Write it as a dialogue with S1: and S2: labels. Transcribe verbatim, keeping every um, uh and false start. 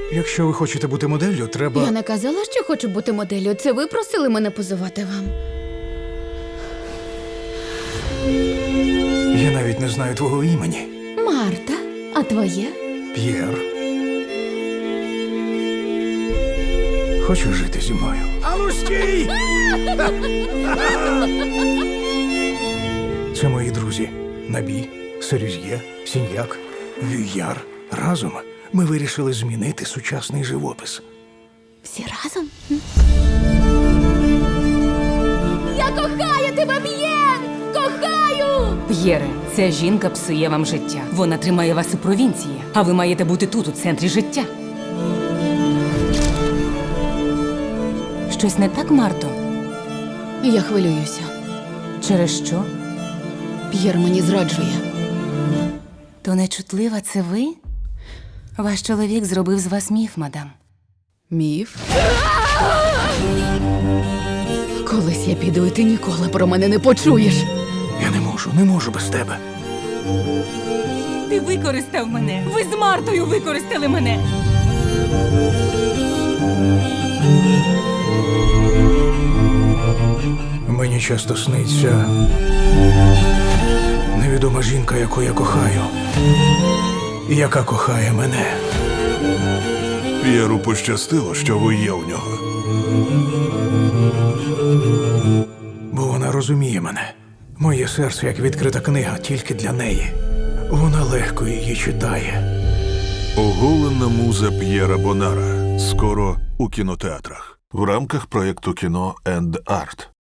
S1: Якщо ви хочете бути моделлю, треба...
S2: Я не казала, що хочу бути моделлю. Це ви просили мене позувати вам.
S1: Я навіть не знаю твого імені.
S2: Марта, а твоє?
S1: П'єр. Хочеш жити зі мною? Ану, стій! Це мої друзі. Набі, Серюз'є, Сіньяк, Вюяр. Разом ми вирішили змінити сучасний живопис.
S2: Всі разом? Я кохаю тебе, П'єр! Кохаю!
S3: П'єре, ця жінка псує вам життя. Вона тримає вас у провінції, а ви маєте бути тут, у центрі життя. Щось не так, Марто?
S2: Я хвилююся.
S3: Через що?
S2: П'єр мені зраджує.
S3: То нечутлива це ви? Ваш чоловік зробив з вас міф, мадам.
S2: Міф? Колись я піду, і ти ніколи про мене не почуєш.
S1: Я не можу, не можу без тебе.
S3: Ти використав мене! Ви з Мартою використали мене!
S1: Мені часто сниться невідома жінка, яку я кохаю, і яка кохає мене.
S4: П'єру пощастило, що ви є у нього.
S1: Бо вона розуміє мене. Моє серце, як відкрита книга, тільки для неї. Вона легко її читає.
S4: Оголена муза П'єра Бонара. Скоро у кінотеатрах. В рамках проєкту «Кіно енд Арт».